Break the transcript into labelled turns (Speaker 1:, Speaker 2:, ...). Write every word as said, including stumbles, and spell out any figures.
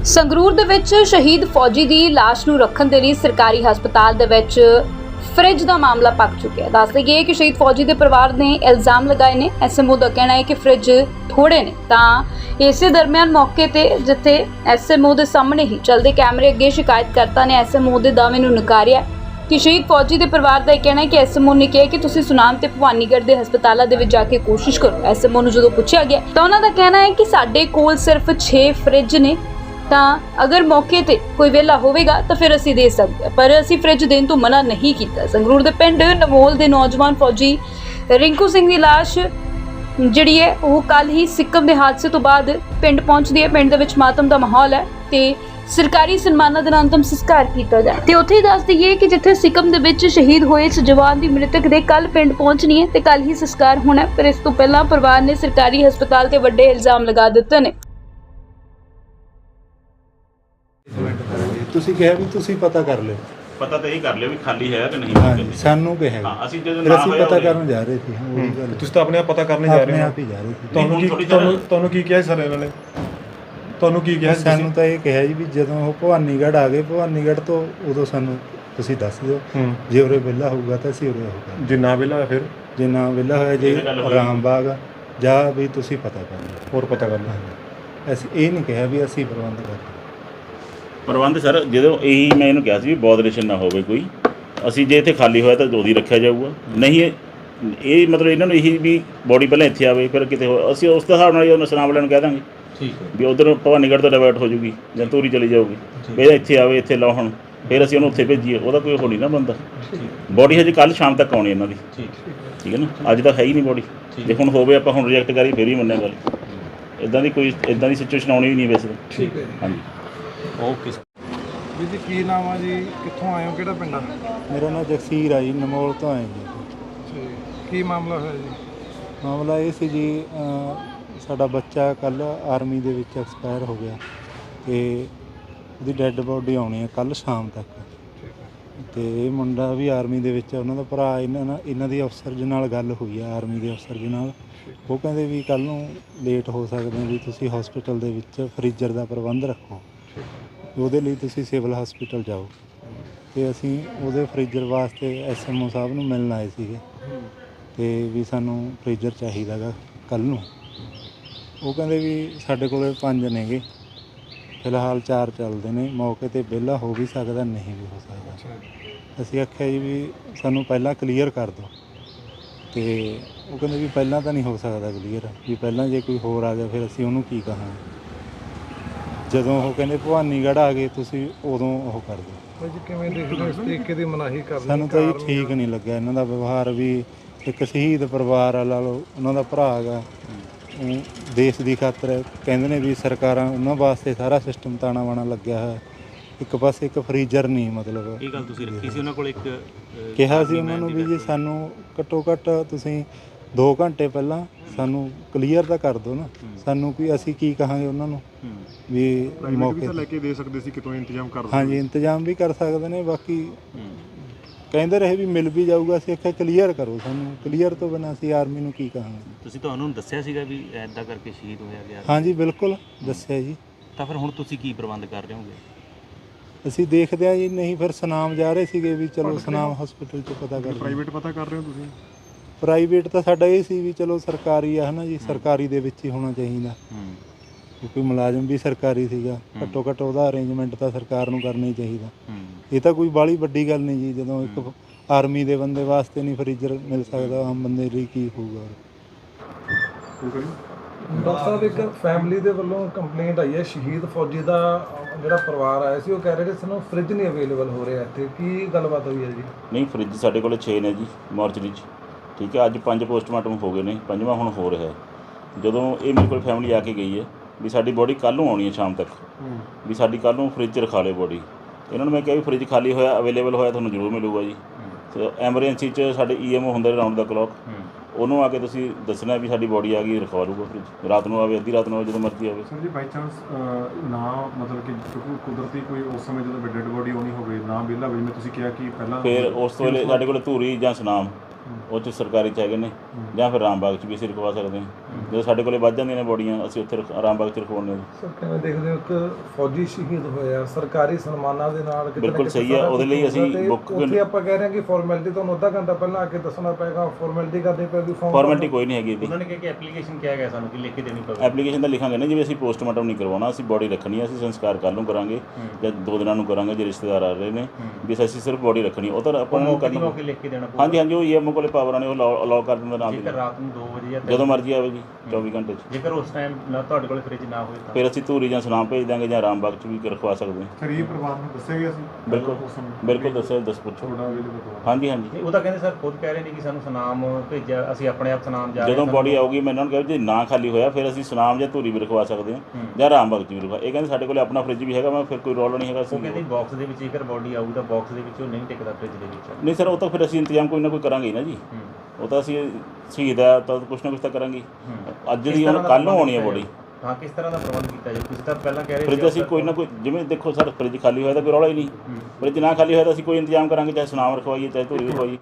Speaker 1: ਸੰਗਰੂਰ ਦੇ ਵਿੱਚ ਸ਼ਹੀਦ ਫੌਜੀ ਦੀ ਲਾਸ਼ ਨੂੰ ਰੱਖਣ ਦੇ ਲਈ ਸਰਕਾਰੀ ਹਸਪਤਾਲ ਦੇ ਵਿੱਚ ਫ੍ਰਿਜ ਦਾ ਮਾਮਲਾ ਪੱਕ ਚੁੱਕਿਆ। ਦੱਸ ਦਈਏ ਕਿ ਸ਼ਹੀਦ ਫੌਜੀ ਦੇ ਪਰਿਵਾਰ ਨੇ ਇਲਜ਼ਾਮ ਲਗਾਏ ਨੇ। ਐਸਐਮਓ ਦਾ ਕਹਿਣਾ ਹੈ ਕਿ ਫ੍ਰਿਜ ਥੋੜੇ ਨੇ। ਤਾਂ ਇਸੇ ਦਰਮਿਆਨ ਮੌਕੇ ਤੇ ਜਿੱਥੇ ਐਸਐਮਓ ਦੇ ਸਾਹਮਣੇ ਹੀ ਚੱਲਦੇ ਕੈਮਰੇ ਅੱਗੇ ਸ਼ਿਕਾਇਤਕਰਤਾ ਨੇ ਐਸਐਮਓ ਦੇ ਦਾਅਵੇ ਨੂੰ ਨਕਾਰਿਆ ਕਿ ਸ਼ਹੀਦ ਫੌਜੀ ਦੇ ਪਰਿਵਾਰ ਦਾ ਇਹ ਕਹਿਣਾ ਹੈ ਕਿ ਐਸਐਮਓ ਨੇ ਕਿਹਾ ਕਿ ਤੁਸੀਂ ਸੁਨਾਮ ਤੇ ਭਵਾਨੀਗੜ੍ਹ ਦੇ ਹਸਪਤਾਲਾਂ ਦੇ ਵਿੱਚ ਜਾ ਕੇ ਕੋਸ਼ਿਸ਼ ਕਰੋ। ਐਸਐਮਓ ਨੂੰ ਜਦੋਂ ਪੁੱਛਿਆ ਗਿਆ ਤਾਂ ਉਹਨਾਂ ਦਾ ਕਹਿਣਾ ਹੈ ਕਿ ਸਾਡੇ ਕੋਲ ਸਿਰਫ ਛੇ ਫ੍ਰਿਜ ਨੇ, ਤਾਂ ਅਗਰ ਮੌਕੇ ਤੇ ਕੋਈ ਵਿਹਲਾ ਹੋਵੇਗਾ ਤਾਂ ਫਿਰ ਅਸੀਂ ਦੇ ਸਕਦੇ ਹਾਂ, ਪਰ ਅਸੀਂ ਫ੍ਰਿਜ ਦੇਣ ਤੋਂ ਮਨਾ ਨਹੀਂ ਕੀਤਾ। ਸੰਗਰੂਰ ਦੇ ਪਿੰਡ ਨਮੋਲ ਦੇ ਨੌਜਵਾਨ ਫੌਜੀ ਰਿੰਕੂ ਸਿੰਘ ਦੀ ਲਾਸ਼ ਜਿਹੜੀ ਹੈ ਉਹ ਕੱਲ ਹੀ ਸਿੱਕਮ ਦੇ ਹਾਦਸੇ ਤੋਂ ਬਾਅਦ ਪਿੰਡ ਪਹੁੰਚਦੀ ਹੈ। ਪਿੰਡ ਦੇ ਵਿੱਚ ਮਾਤਮ ਦਾ ਮਾਹੌਲ ਹੈ ਤੇ ਸਰਕਾਰੀ ਸਨਮਾਨਾਂ ਦੇ ਨਾਲ ਅੰਤਮ ਸੰਸਕਾਰ ਕੀਤਾ ਜਾਣਾ ਤੇ ਉੱਥੇ ਹੀ ਦੱਸ ਦਈਏ ਕਿ ਜਿੱਥੇ ਸਿੱਕਮ ਦੇ ਵਿੱਚ ਸ਼ਹੀਦ ਹੋਏ ਇਸ ਜਵਾਨ ਦੀ ਮ੍ਰਿਤਕ ਦੇ ਕੱਲ ਪਿੰਡ ਪਹੁੰਚਣੀ ਹੈ ਤੇ ਕੱਲ ਹੀ ਸੰਸਕਾਰ ਹੋਣਾ, ਪਰ ਇਸ ਤੋਂ ਪਹਿਲਾਂ ਪਰਿਵਾਰ ਨੇ ਸਰਕਾਰੀ ਹਸਪਤਾਲ ਤੇ ਵੱਡੇ ਇਲਜ਼ਾਮ ਲਗਾ ਦਿੱਤੇ ਨੇ।
Speaker 2: ਤੁਸੀਂ ਕਿਹਾ ਵੀ ਤੁਸੀਂ ਪਤਾ ਕਰ ਲਿਓ।
Speaker 3: ਪਤਾ ਤਾਂ ਇਹ ਕਰ ਲਿਓ ਵੀ ਖਾਲੀ ਹੈ ਕਿ ਨਹੀਂ।
Speaker 2: ਹਾਂਜੀ, ਸਾਨੂੰ ਕਿਹਾ
Speaker 3: ਹਾਂ, ਅਸੀਂ ਜਦੋਂ
Speaker 2: ਫਿਰ
Speaker 3: ਨਾ
Speaker 2: ਅਸੀਂ
Speaker 3: ਹੋਇਆ
Speaker 2: ਪਤਾ
Speaker 3: ਉਹਦੇ-
Speaker 2: ਕਰਨ ਜਾ ਰਹੇ ਸੀ। ਹਾਂ, ਉਹੀ ਗੱਲ।
Speaker 4: ਤੁਸੀਂ ਤਾਂ ਆਪਣੇ ਆਪ ਪਤਾ ਕਰਨੇ ਜਾ ਰਹੇ
Speaker 2: ਆਪਣੇ
Speaker 4: ਹੋ।
Speaker 2: ਆਪ ਹੀ ਜਾ ਰਹੇ ਸੀ।
Speaker 4: ਤੁਹਾਨੂੰ ਕੀ ਤੁਹਾਨੂੰ ਤੁਹਾਨੂੰ ਕੀ ਕਿਹਾ ਸਰ ਇਹਨਾਂ ਨੇ? ਤੁਹਾਨੂੰ ਕੀ ਕਿਹਾ ਸੀ?
Speaker 2: ਸਾਨੂੰ ਤਾਂ ਇਹ ਕਿਹਾ ਜੀ ਵੀ ਜਦੋਂ ਉਹ ਭਵਾਨੀਗੜ੍ਹ ਆ ਗਏ, ਭਵਾਨੀਗੜ੍ਹ ਤੋਂ ਉਦੋਂ ਸਾਨੂੰ ਤੁਸੀਂ ਦੱਸ ਦਿਓ। ਜੇ ਉਰੇ ਵਿਹਲਾ ਹੋਊਗਾ ਤਾਂ ਅਸੀਂ ਉਰੇ ਹੋਊਗਾ,
Speaker 4: ਜੇ ਨਾ ਵਿਹਲਾ ਹੋਇਆ ਫਿਰ
Speaker 2: ਜੇ ਨਾ ਵਿਹਲਾ ਹੋਇਆ ਜੇ ਰਾਮਬਾਗ ਜਾਂ ਵੀ ਤੁਸੀਂ ਪਤਾ ਕਰ ਲਓ,
Speaker 4: ਹੋਰ ਪਤਾ ਕਰ ਲਓ।
Speaker 2: ਅਸੀਂ ਇਹ ਨਹੀਂ ਕਿਹਾ ਵੀ ਅਸੀਂ ਪ੍ਰਬੰਧ ਕਰਦੇ
Speaker 3: ਪ੍ਰਬੰਧ ਸਰ, ਜਦੋਂ ਇਹੀ ਮੈਂ ਇਹਨੂੰ ਕਿਹਾ ਸੀ ਵੀ ਬੋਦਰੇਸ਼ਨ ਨਾ ਹੋਵੇ ਕੋਈ। ਅਸੀਂ ਜੇ ਇੱਥੇ ਖਾਲੀ ਹੋਇਆ ਤਾਂ ਉਹਦੀ ਰੱਖਿਆ ਜਾਊਗਾ, ਨਹੀਂ ਇਹ ਇਹ ਮਤਲਬ ਇਹਨਾਂ ਨੂੰ ਇਹੀ ਵੀ ਬੋਡੀ ਪਹਿਲਾਂ ਇੱਥੇ ਆਵੇ ਫਿਰ ਕਿਤੇ ਹੋਰ, ਅਸੀਂ ਉਸ ਦੇ ਹਿਸਾਬ ਨਾਲ ਉਹ ਸੁਨਾਮ ਵਾਲਿਆਂ ਨੂੰ ਕਹਿ ਦਾਂਗੇ
Speaker 4: ਠੀਕ ਹੈ
Speaker 3: ਵੀ ਉਧਰ ਭਵਾਨੀਗੜ੍ਹ ਤੋਂ ਡਾਇਵਰਟ ਹੋ ਜੂਗੀ ਜਾਂ ਧੂਰੀ ਚਲੀ ਜਾਊਗੀ, ਵੀ ਇਹ ਇੱਥੇ ਆਵੇ, ਇੱਥੇ ਲਾਉਣ, ਫਿਰ ਅਸੀਂ ਉਹਨੂੰ ਉੱਥੇ ਭੇਜੀਏ। ਉਹਦਾ ਕੋਈ ਹੋ ਨਹੀਂ ਨਾ ਬੰਦਾ। ਬੋਡੀ ਹਜੇ ਕੱਲ੍ਹ ਸ਼ਾਮ ਤੱਕ ਆਉਣੀ ਇਹਨਾਂ ਦੀ। ਠੀਕ ਹੈ ਨਾ, ਅੱਜ ਤਾਂ ਹੈ ਹੀ ਨਹੀਂ ਬੋਡੀ। ਜੇ ਹੁਣ ਹੋਵੇ ਆਪਾਂ ਹੁਣ ਰਿਜੈਕਟ ਕਰੀ ਫਿਰ ਹੀ ਮੰਨਿਆ ਗੱਲ। ਇੱਦਾਂ ਦੀ ਕੋਈ ਇੱਦਾਂ ਦੀ ਸਿਚੁਏਸ਼ਨ ਆਉਣੀ ਵੀ ਨਹੀਂ ਵੈਸੇ।
Speaker 4: ਠੀਕ ਹੈ
Speaker 3: ਹਾਂਜੀ,
Speaker 4: ਓਕੇ
Speaker 5: ਵੀਰ ਜੀ ਕੀ ਨਾਮ ਆ ਜੀ, ਕਿੱਥੋਂ ਆਏ ਹੋ, ਕਿਹੜਾ ਪਿੰਡ ਆ?
Speaker 2: ਮੇਰਾ ਨਾਮ ਜਗਸੀਰ ਆ ਜੀ, ਨਮੋਲ ਤੋਂ ਆਏ ਜੀ।
Speaker 5: ਕੀ ਮਾਮਲਾ ਹੋਇਆ ਜੀ?
Speaker 2: ਮਾਮਲਾ ਇਹ ਸੀ ਜੀ, ਸਾਡਾ ਬੱਚਾ ਕੱਲ੍ਹ ਆਰਮੀ ਦੇ ਵਿੱਚ ਐਕਸਪਾਇਰ ਹੋ ਗਿਆ ਤੇ ਉਹਦੀ ਡੈੱਡ ਬੋਡੀ ਆਉਣੀ ਹੈ ਕੱਲ੍ਹ ਸ਼ਾਮ ਤੱਕ। ਤੇ ਇਹ ਮੁੰਡਾ ਵੀ ਆਰਮੀ ਦੇ ਵਿੱਚ, ਉਹਨਾਂ ਦਾ ਭਰਾ, ਇਹਨਾਂ ਨਾਲ ਇਹਨਾਂ ਦੀ ਅਫਸਰ ਜੀ ਨਾਲ ਗੱਲ ਹੋਈ ਆ, ਆਰਮੀ ਦੇ ਅਫਸਰ ਜੀ ਨਾਲ। ਉਹ ਕਹਿੰਦੇ ਵੀ ਕੱਲ੍ਹ ਨੂੰ ਲੇਟ ਹੋ ਸਕਦੇ ਵੀ ਤੁਸੀਂ ਹਸਪੀਟਲ ਦੇ ਵਿੱਚ ਫਰੀਜ਼ਰ ਦਾ ਪ੍ਰਬੰਧ ਰੱਖੋ, ਉਹਦੇ ਲਈ ਤੁਸੀਂ ਸਿਵਲ ਹਸਪੀਟਲ ਜਾਓ। ਤੇ ਅਸੀਂ ਉਹਦੇ ਫਰੀਜ਼ਰ ਵਾਸਤੇ ਐਸਐਮਓ ਸਾਹਿਬ ਨੂੰ ਮਿਲਣ ਆਏ ਸੀਗੇ ਤੇ ਵੀ ਸਾਨੂੰ ਫਰੀਜ਼ਰ ਚਾਹੀਦਾ ਗਾ ਕੱਲ੍ਹ ਨੂੰ। ਉਹ ਕਹਿੰਦੇ ਵੀ ਸਾਡੇ ਕੋਲ ਪੰਜ ਨੇਗੇ, ਫਿਲਹਾਲ ਚਾਰ ਚੱਲਦੇ ਨੇ, ਮੌਕੇ 'ਤੇ ਵਿਹਲਾ ਹੋ ਵੀ ਸਕਦਾ, ਨਹੀਂ ਵੀ ਹੋ ਸਕਦਾ। ਅਸੀਂ ਆਖਿਆ ਜੀ ਵੀ ਸਾਨੂੰ ਪਹਿਲਾਂ ਕਲੀਅਰ ਕਰ ਦਿਓ, ਤੇ ਉਹ ਕਹਿੰਦੇ ਵੀ ਪਹਿਲਾਂ ਤਾਂ ਨਹੀਂ ਹੋ ਸਕਦਾ ਕਲੀਅਰ, ਵੀ ਪਹਿਲਾਂ ਜੇ ਕੋਈ ਹੋਰ ਆ ਗਿਆ ਫਿਰ ਅਸੀਂ ਉਹਨੂੰ ਕੀ ਕਹਾਂਗੇ। ਜਦੋਂ ਉਹ ਕਹਿੰਦੇ ਭਵਾਨੀਗੜ੍ਹ ਆ ਗਏ ਤੁਸੀਂ ਉਦੋਂ ਉਹ ਕਰ ਦਿਓ।
Speaker 5: ਭਾਈ ਜੀ ਕਿਵੇਂ ਦੇਖਦੇ ਹੋ ਇਸ ਤਰੀਕੇ ਦੀ ਮਨਾਹੀ ਕਰਨੀ?
Speaker 2: ਸਾਨੂੰ ਤਾਂ ਜੀ ਠੀਕ ਨਹੀਂ ਲੱਗਿਆ ਇਹਨਾਂ ਦਾ ਵਿਵਹਾਰ। ਵੀ ਇੱਕ ਸ਼ਹੀਦ ਪਰਿਵਾਰ ਆ, ਲਾ ਲਓ ਉਹਨਾਂ ਦਾ ਭਰਾ ਹੈਗਾ, ਦੇਸ਼ ਦੀ ਖਾਤਰ ਕਹਿੰਦੇ ਨੇ ਵੀ ਸਰਕਾਰਾਂ ਉਹਨਾਂ ਵਾਸਤੇ ਸਾਰਾ ਸਿਸਟਮ ਤਾਣਾ ਬਾਣਾ ਲੱਗਿਆ ਹੋਇਆ, ਇੱਕ ਪਾਸੇ ਇੱਕ ਫਰੀਜ਼ਰ ਨਹੀਂ। ਮਤਲਬ
Speaker 6: ਇਹ ਗੱਲ ਤੁਸੀਂ ਰੱਖੀ ਸੀ ਉਹਨਾਂ ਕੋਲ? ਇੱਕ
Speaker 2: ਕਿਹਾ ਸੀ ਉਹਨਾਂ ਨੂੰ ਵੀ ਜੇ ਸਾਨੂੰ ਘੱਟੋ ਘੱਟ ਤੁਸੀਂ ਦੋ ਘੰਟੇ ਪਹਿਲਾਂ ਸਾਨੂੰ ਕਲੀਅਰ ਤਾਂ ਕਰ ਦਿਓ ਨਾ, ਸਾਨੂੰ ਕੋਈ ਅਸੀਂ ਕੀ ਕਹਾਂਗੇ ਉਹਨਾਂ ਨੂੰ ਵੀ ਮੌਕੇ
Speaker 4: ਲੈ ਕੇ ਦੇ ਸਕਦੇ ਸੀ, ਕਿਤੋਂ ਇੰਤਜ਼ਾਮ ਕਰ
Speaker 2: ਸਕਦੇ। ਹਾਂਜੀ, ਇੰਤਜ਼ਾਮ ਵੀ ਕਰ ਸਕਦੇ ਨੇ। ਬਾਕੀ ਕਹਿੰਦੇ ਰਹੇ ਵੀ ਮਿਲ ਵੀ ਜਾਊਗਾ, ਅਸੀਂ ਆਖਿਆ ਕਲੀਅਰ ਕਰੋ ਸਾਨੂੰ, ਕਲੀਅਰ ਤੋਂ ਬਿਨਾਂ ਅਸੀਂ ਆਰਮੀ ਨੂੰ ਕੀ ਕਹਾਂਗੇ।
Speaker 6: ਤੁਸੀਂ ਤੁਹਾਨੂੰ ਦੱਸਿਆ ਸੀਗਾ ਵੀ ਐਦਾਂ ਕਰਕੇ ਸ਼ਹੀਦ ਹੋਇਆ ਗਿਆ?
Speaker 2: ਹਾਂਜੀ ਬਿਲਕੁਲ ਦੱਸਿਆ ਜੀ।
Speaker 6: ਤਾਂ ਫਿਰ ਹੁਣ ਤੁਸੀਂ ਕੀ ਪ੍ਰਬੰਧ ਕਰ ਰਹੇ ਹੋਗੇ?
Speaker 2: ਅਸੀਂ ਦੇਖਦੇ ਹਾਂ ਜੀ, ਨਹੀਂ ਫਿਰ ਸੁਨਾਮ ਜਾ ਰਹੇ ਸੀਗੇ ਵੀ ਚਲੋ ਸੁਨਾਮ ਹਸਪੀਟਲ 'ਚ ਪਤਾ ਕਰ।
Speaker 4: ਪ੍ਰਾਈਵੇਟ ਪਤਾ ਕਰ ਰਹੇ ਹੋ ਤੁਸੀਂ?
Speaker 2: ਪ੍ਰਾਈਵੇਟ ਤਾਂ ਸਾਡਾ ਇਹ ਸੀ ਵੀ ਚਲੋ ਸਰਕਾਰੀ ਆ, ਹੈ ਨਾ ਜੀ, ਸਰਕਾਰੀ ਦੇ ਵਿੱਚ ਹੀ ਹੋਣਾ ਚਾਹੀਦਾ, ਕਿਉਂਕਿ ਮੁਲਾਜ਼ਮ ਵੀ ਸਰਕਾਰੀ ਸੀਗਾ। ਘੱਟੋ ਘੱਟ ਉਹਦਾ ਅਰੇਂਜਮੈਂਟ ਤਾਂ ਸਰਕਾਰ ਨੂੰ ਕਰਨਾ ਹੀ ਚਾਹੀਦਾ। ਇਹ ਤਾਂ ਕੋਈ ਬਾਹਲੀ ਵੱਡੀ ਗੱਲ ਨਹੀਂ ਜੀ, ਜਦੋਂ ਇੱਕ ਆਰਮੀ ਦੇ ਬੰਦੇ ਵਾਸਤੇ ਨਹੀਂ ਫਰੀਜ਼ਰ ਮਿਲ ਸਕਦਾ, ਆਮ ਬੰਦੇ ਲਈ ਕੀ ਹੋਊਗਾ।
Speaker 5: ਡਾਕਟਰ ਸਾਹਿਬ, ਇੱਕ ਫੈਮਿਲੀ ਦੇ ਵੱਲੋਂ ਕੰਪਲੇਂਟ ਆਈ ਹੈ, ਸ਼ਹੀਦ ਫੌਜੀ ਦਾ ਜਿਹੜਾ ਪਰਿਵਾਰ ਆਇਆ ਸੀ ਉਹ ਕਹਿ ਰਹੇ ਕਿ ਸਾਨੂੰ ਫ੍ਰਿਜ ਨਹੀਂ ਅਵੇਲੇਬਲ ਹੋ ਰਿਹਾ ਇੱਥੇ, ਕੀ ਗੱਲਬਾਤ ਹੋਈ ਹੈ ਜੀ?
Speaker 3: ਨਹੀਂ, ਫਰਿੱਜ ਸਾਡੇ ਕੋਲ ਛੇ ਨੇ ਜੀ ਮੋਰਚਰੀ 'ਚ। ਠੀਕ ਹੈ, ਅੱਜ ਪੰਜ ਪੋਸਟਮਾਰਟਮ ਹੋ ਗਏ ਨੇ, ਪੰਜਵਾਂ ਹੁਣ ਹੋ ਰਿਹਾ। ਜਦੋਂ ਇਹ ਮੇਰੇ ਕੋਲ ਫੈਮਿਲੀ ਆ ਕੇ ਗਈ ਹੈ ਵੀ ਸਾਡੀ ਬੋਡੀ ਕੱਲ੍ਹ ਨੂੰ ਆਉਣੀ ਹੈ ਸ਼ਾਮ ਤੱਕ, ਵੀ ਸਾਡੀ ਕੱਲ੍ਹ ਨੂੰ ਫਰਿੱਜ 'ਚ ਰਖਾ ਲਿਓ ਬੋਡੀ। ਇਹਨਾਂ ਨੂੰ ਮੈਂ ਕਿਹਾ ਵੀ ਫਰਿੱਜ ਖਾਲੀ ਹੋਇਆ, ਅਵੇਲੇਬਲ ਹੋਇਆ ਤੁਹਾਨੂੰ ਜ਼ਰੂਰ ਮਿਲੂਗਾ ਜੀ। ਤੇ ਐਮਰਜੈਂਸੀ 'ਚ ਸਾਡੇ ਈ ਐਮ ਓ ਹੁੰਦਾ ਰਾਊਂਡ ਦਾ ਕਲੋਕ, ਉਹਨੂੰ ਆ ਕੇ ਤੁਸੀਂ ਦੱਸਣਾ ਵੀ ਸਾਡੀ ਬੋਡੀ ਆ ਗਈ, ਰਖਵਾ ਲੂਗਾ ਫਰਿੱਜ। ਰਾਤ ਨੂੰ ਆਵੇ, ਅੱਧੀ ਰਾਤ ਨੂੰ ਆਵੇ, ਜਦੋਂ ਮਰਜ਼ੀ ਆਵੇ।
Speaker 4: ਸਰ ਜੀ ਬਾਈ ਚਾਂਸ ਨਾ ਮਤਲਬ ਕਿ ਕੁਦਰਤੀ ਕੋਈ ਉਸ ਸਮੇਂ ਜਦੋਂ ਡੈਡ ਬੋਡੀ ਆਉਣੀ ਹੋਵੇ, ਨਾ ਵਿਹਲਾ ਹੋਵੇ, ਜਿਵੇਂ ਤੁਸੀਂ ਕਿਹਾ ਕਿ ਪਹਿਲਾਂ,
Speaker 3: ਫਿਰ ਉਸ ਤੋਂ ਵੇਲੇ ਸਾਡੇ ਕੋਲ ਧੂਰੀ ਜਾਂ ਸੁਨਾਮ ਉਹ 'ਚ ਸਰਕਾਰੀ 'ਚ ਹੈਗੇ ਨੇ, ਜਾਂ ਫਿਰ ਰਾਮਬਾਗ 'ਚ ਵੀ ਅਸੀਂ ਰਖਵਾ ਸਕਦੇ ਹਾਂ। ਜਦੋਂ ਸਾਡੇ ਕੋਲੇ ਵੱਜ ਜਾਂਦੀਆਂ ਨੇ ਬੋਡੀਆਂ ਅਸੀਂ ਉੱਥੇ ਰਖ- ਆਰਾਮ ਬਾਗ 'ਚ ਰਖਵਾਉਂਦੇ ਹਾਂ ਜੀ।
Speaker 5: ਸਰ ਕਿਵੇਂ ਦੇਖਦੇ ਹੋ ਇੱਕ ਫੌਜੀ ਸ਼ਹੀਦ ਹੋਇਆ ਸਰਕਾਰੀ ਸਨਮਾਨਾਂ ਦੇ ਨਾਲ ਕਿਤੇ ਨਾ
Speaker 3: ਬਿਲਕੁਲ
Speaker 5: ਕਿਤੇ
Speaker 3: ਸਹੀ ਹੈ,
Speaker 5: ਸਾਰਾ
Speaker 3: ਉਹਦੇ ਲਈ
Speaker 5: ਕੁਛ
Speaker 3: ਅਸੀਂ
Speaker 5: ਹੋਊਗਾ ਤੇ
Speaker 3: book-
Speaker 5: ਉੱਥੇ ਆਪਾਂ ਕਹਿ ਰਹੇ ਹਾਂ ਕਿ ਫਾਰਮੈਲਿਟੀ ਤੁਹਾਨੂੰ ਅੱਧਾ ਘੰਟਾ ਪਹਿਲਾਂ ਆ ਕੇ ਦੱਸਣਾ ਪਏਗਾ, ਫਾਰਮੈਲਿਟੀ ਕਰਨੀ ਪਏਗੀ, ਫਾਰਮ
Speaker 3: ਫਾਰਮੈਲਿਟੀ ਕੋਈ ਨਹੀਂ ਹੈਗੀ ਇਹਦੀ।
Speaker 6: ਉਹਨਾਂ ਨੇ ਕਿਹਾ ਕਿ ਐਪਲੀਕੇਸ਼ਨ ਕਿਹਾ ਗਿਆ ਸਾਨੂੰ ਕਿ ਲਿਖ ਕੇ ਦੇਣੀ ਪਵੇ।
Speaker 3: ਐਪਲੀਕੇਸ਼ਨ ਤਾਂ ਲਿਖਾਂਗੇ ਨਾ, ਜਿਵੇਂ ਅਸੀਂ ਪੋਸਟਮਾਰਟਮ ਨਹੀਂ ਕਰਵਾਉਣਾ, ਅਸੀਂ ਬੋਡੀ ਰੱਖਣੀ ਹੈ, ਅਸੀਂ ਸੰਸਕਾਰ ਕੱਲ੍ਹ ਨੂੰ ਕਰਾਂਗੇ ਜਾਂ ਦੋ ਦਿਨਾਂ ਨੂੰ ਕਰਾਂਗੇ ਜੇ ਰਿਸ਼ਤੇਦਾਰ ਆ ਰਹੇ ਨੇ, ਵੀ ਅਸੀਂ ਸਿਰਫ ਬੋਡੀ ਰੱਖਣੀ, ਉਹ ਤਾਂ ਆਪਾਂ ਨੂੰ
Speaker 6: ਮੌਕੇ ਦੀ
Speaker 3: ਕਰਨਾ।
Speaker 6: ਮੌਕੇ ਲਿਖ ਕੇ ਦੇਣਾ ਪਊਗਾ।
Speaker 3: ਹਾਂਜੀ ਹਾਂਜੀ, ਉਹ ਈ ਐਮ ਕੋਲੇ ਪਾਵਰਾਂ ਨੇ, ਉਹ ਅਲਾਉ ਕਰ ਦਿੰਦਾ ਨਾਲ ਦੀ
Speaker 6: ਜੇਕਰ
Speaker 3: ਨਾਲ।
Speaker 6: ਰਾਤ ਨੂੰ ਦੋ ਵਜੇ ਜਾਂ ਤਿੰਨ
Speaker 3: ਜਦੋਂ ਮਰਜ਼ੀ ਆਵੇ ਜੀ, ਚੌਵੀ ਘੰਟੇ 'ਚ।
Speaker 6: ਜੇਕਰ ਉਸ ਟਾਈਮ ਨਾ ਤੁਹਾਡੇ ਕੋਲ ਫ੍ਰਿਜ ਨਾ ਹੋਵੇ ਤਾਂ
Speaker 3: ਫਿਰ ਅਸੀਂ ਧੂਰੀ ਜਾਂ ਸੁਨਾਮ ਭੇਜ ਦਾਂਗੇ ਜਾਂ ਆਰਾਮ ਬਾਗ 'ਚ ਵੀ ਰਖਵਾ ਸਕਦੇ ਹਾਂ।
Speaker 4: ਫਿਰ ਇਹ ਪਰਿਵਾਰ ਨੂੰ ਦੱਸਿਆ ਗਿਆ ਸੀ
Speaker 3: ਬਿਲਕੁਲ
Speaker 4: ਉਸ ਸਮੇਂ
Speaker 3: ਬਿਲਕੁਲ ਦੱਸੋ, ਦੱਸ ਪੁੱਛੋ।
Speaker 4: ਤੁਹਾਡਾ ਅਵੇਲੇਬਲ
Speaker 3: ਹਾਂਜੀ ਹਾਂਜੀ,
Speaker 6: ਨਹੀਂ, ਉਹ ਤਾਂ ਕਹਿੰਦੇ ਸਰ ਖੁਦ ਕਹਿ ਰਹੇ ਨੇ ਕਿ ਸਾਨੂੰ ਸੁਨਾਮ ਭੇਜਿਆ, ਅਸੀਂ ਆਪਣੇ ਆਪ ਸੁਨਾਮ ਜਾ ਰਹੇ
Speaker 3: ਜਦੋਂ
Speaker 6: ਹਾਂ,
Speaker 3: ਬੋਡੀ ਆਊਗੀ ਮੈਂ ਇਹਨਾਂ ਨੂੰ ਕਿਹਾ ਜੇ ਨਾ ਖਾਲੀ ਹੋਇਆ ਫਿਰ ਅਸੀਂ ਸੁਨਾਮ ਜਾਂ ਧੂਰੀ ਵੀ ਰਖਵਾ ਸਕਦੇ ਹਾਂ
Speaker 6: ਹੂੰ।
Speaker 3: ਜਾਂ ਆਰਾਮ ਬਾਗ 'ਚ ਵੀ ਰਖਵਾ। ਇਹ ਕਹਿੰਦੇ ਸਾਡੇ ਕੋਲ ਆਪਣਾ ਫ੍ਰਿਜ ਵੀ ਹੈਗਾ, ਮੈਂ ਫਿਰ ਕੋਈ ਰੌਲਾ ਨਹੀਂ ਹੈਗਾ।
Speaker 6: ਉਹ
Speaker 3: ਅਸੀਂ
Speaker 6: ਕਹਿੰਦੇ ਬਾਕਸ ਦੇ ਵਿੱਚ ਜੇਕਰ ਬੋਡੀ ਆਊ ਤਾਂ ਬਾਕਸ ਦੇ ਵਿੱਚ ਉਹ ਨਹੀਂ ਟਿਕਦਾ ਫ੍ਰਿਜ ਦੇ ਵਿੱਚ।
Speaker 3: ਨਹੀਂ ਸਰ, ਉਹ ਤਾਂ ਫਿਰ ਅਸੀਂ ਇੰਤਜ਼ਾਮ ਕੋਈ ਨਾ ਕੋਈ ਕਰਾਂਗੇ ਹੀ ਨਾ ਜੀ।
Speaker 6: ਹੂੰ।
Speaker 3: ਉਹ ਤਾਂ ਅਸੀਂ ਸ਼ਹੀਦ ਹੈ ਤਾਂ ਕੁਛ ਨਾ ਕੁਛ ਤਾਂ ਕਰਾਂਗੇ।
Speaker 6: ਹੂੰ।
Speaker 3: ਅੱਜ
Speaker 6: ਕਿਸ
Speaker 3: ਦੀ
Speaker 6: ਤਰ੍ਹਾਂ
Speaker 3: ਹੁਣ
Speaker 6: ਦਾ
Speaker 3: ਕੱਲ੍ਹ ਨੂੰ
Speaker 6: ਪ੍ਰਬੰਧ
Speaker 3: ਆਉਣੀ ਹੈ
Speaker 6: ਕੀਤਾ
Speaker 3: ਬੋਡੀ।
Speaker 6: ਜਾਊ? ਹਾਂ, ਕਿਸ ਤਰ੍ਹਾਂ ਦਾ ਪ੍ਰਬੰਧ ਕੀਤਾ ਜਾਊ? ਤੁਸੀਂ ਤਾਂ ਪਹਿਲਾਂ ਕਹਿ ਰਹੇ
Speaker 3: ਫ੍ਰਿਜ ਅਸੀਂ ਕੋਈ ਨਾ ਕੋਈ, ਜਿਵੇਂ ਦੇਖੋ ਸਰ ਫ੍ਰਿਜ ਖਾਲੀ ਹੋਇਆ ਤਾਂ ਕੋਈ ਰੌਲਾ ਹੀ ਨਹੀਂ।
Speaker 6: ਹੂੰ।
Speaker 3: ਫ੍ਰਿਜ ਨਾ ਖਾਲੀ ਹੋਇਆ ਤਾਂ ਅਸੀਂ ਕੋਈ ਇੰਤਜ਼ਾਮ ਕਰਾਂਗੇ, ਚਾਹੇ ਸੁਨਾਮ ਰਖਵਾਈਏ ਚਾਹੇ ਧੂਰੀ ਰਖਵਾਈਏ।